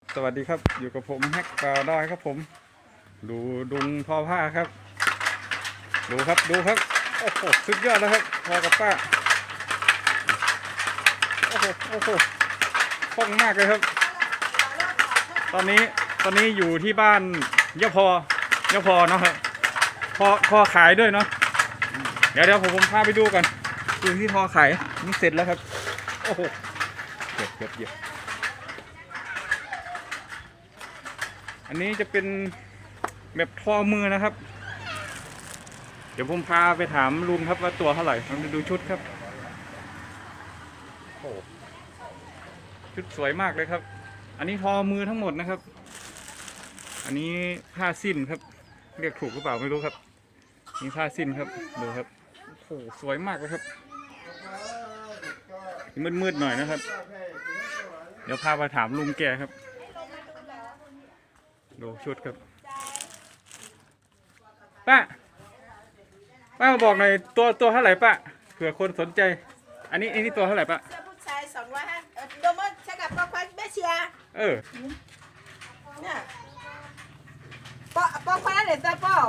สวัสดีครับอยู่กับผมแฮกปลาดอยครับผมดูดุงทอผ้าครับดูครับโอ้โหสุดยอดแล้วครับพอกับป้าโอ้โหคล่องมากเลยครับตอนนี้อยู่ที่บ้านยะพเนาะครับพอขายด้วยเนาะเดี๋ยวผมพาไปดูกันดูที่พอขายนี่เสร็จแล้วครับโอ้โหเก็บอันนี้จะเป็นแบบทอมือนะครับเดี๋ยวผมพาไปถามลุงครับว่าตัวเท่าไหร่มาดูชุดครับโอ้ชุดสวยมากเลยครับอันนี้ทอมือทั้งหมดนะครับอันนี้ผ้าสิ้นครับเรียกถูกหรือเปล่าไม่รู้ครับนี่ผ้าสิ้นครับดูครับโอ้สวยมากเลยครับมืดหน่อยนะครับเดี๋ยวพาไปถามลุงแกครับดูชุดครับป้าบอกหน่อยตัวเท่าไหร่ป้าเผื่อคนสนใจอันนี้ตัวเท่าไหร่ป้าเสื้อผู้ชาย250โดมใช้กับปอควันเบเชียเนี่ยปอควันอะไรจ้าป้อ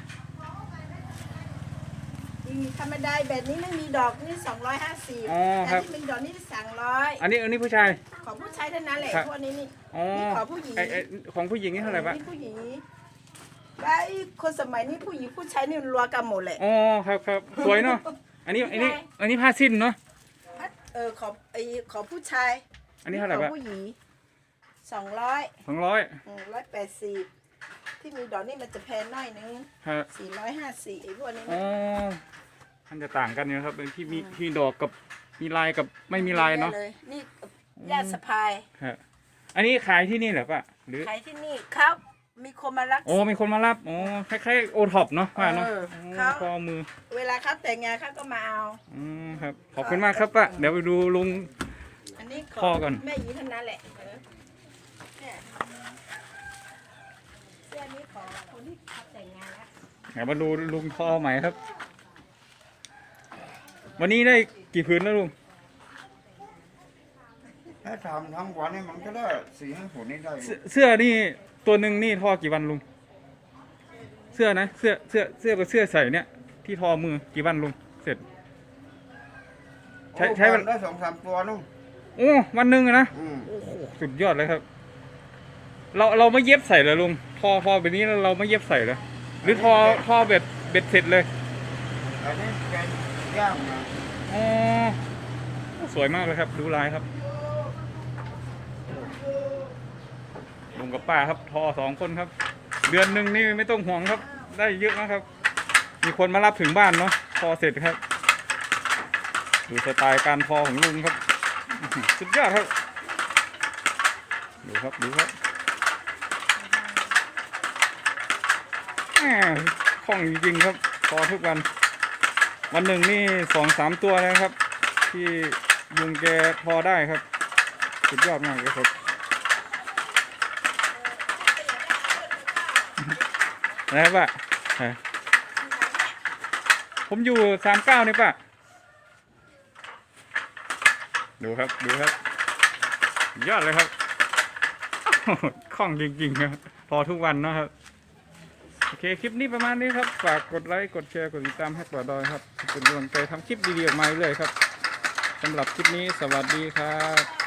ธรรมดาแบบนี้ไม่มีดอกนี่250แต่ที่มีดอกนี่300 อันนี้ผู้ชายของผู้ชายเท่านั้นแหละพวกนี้นี่ของผู้หญิงของผู้หญิงนี่เท่าไหร่ป้าผู้หญิงแล้วคนสมัยนี้ผู้หญิงผู้ชายนี่รัวกันหมดเลยอ๋อครับสวยเนาะอันนี้ผ้าสิ้นเนาะของผู้ชายอันนี้เท่าไหร่ป้าของผู้หญิง180ที่มีดอกนี่มันจะแพงน้อยนึง450ไอ้พวกนี้อ๋อมันจะต่างกันนะครับที่มีดอกกับมีลายกับไม่มีลายเนาะนี่ญาติสะพายอันนี้ขายที่นี่เหรอป้าหรือขายที่นี่ครับมีคนมารับมีคนมารับคล้ายๆโอท็อปเนาะป้าเนาะข้อมือเวลาเขาแต่งงานเขาก็มาเอาครับขอบคุณมากครับป้าเดี๋ยวไปดูลุงอันนี้พ่อก่อนแม่หยีเท่านั้นแหละเสื้อนี้ของคนที่เขาแต่งงานแล้วเดี๋ยวมาดูลุงพ่อใหม่ครับวันนี้ได้กี่ผืนแล้วลุงถ้าทำทั้งวันนี่มันก็ได้4-5 ผืนนี่ได้เสื้อนี่ตัวหนึ่งนี่ทอกี่วันลุงเสื้อนะเสื้อกับเสื้อใส่เนี่ยที่ทอมือกี่วันลุงเสร็จใช้วันได้2-3 ตัวนู่นวันหนึ่งนะโอ้โหสุดยอดเลยครับเราไม่เย็บใส่เลยลุงทอแบบนี้เราไม่เย็บใส่เลยหรือทอเบ็ดเสร็จเลยอันนี้เป็นย่างนะสวยมากเลยครับดูลายครับลุงกับป้าครับทอ2 คนครับเดือนหนึ่งนี่ไม่ต้องห่วงครับได้เยอะนะครับมีคนมารับถึงบ้านเนาะทอเสร็จครับดูสไตล์การทอของลุงครับสุดยอดครับดูครับคล่องจริงๆครับทอทุกวันหนึ่งนี่2-3 ตัวเลยครับที่ลุงแกทอได้ครับสุดยอดมากเลยครับนะครับป้าผมอยู่39นี่ป้าดูครับยอดเลยครับคล่องจริงๆครับพอทุกวันนะครับโอเคคลิปนี้ประมาณนี้ครับฝากกดไลค์กดแชร์กดติดตามให้ปลาดอยครับเป็นกำลังใจทำคลิปดีๆออกมาเรื่อยครับสำหรับคลิปนี้สวัสดีครับ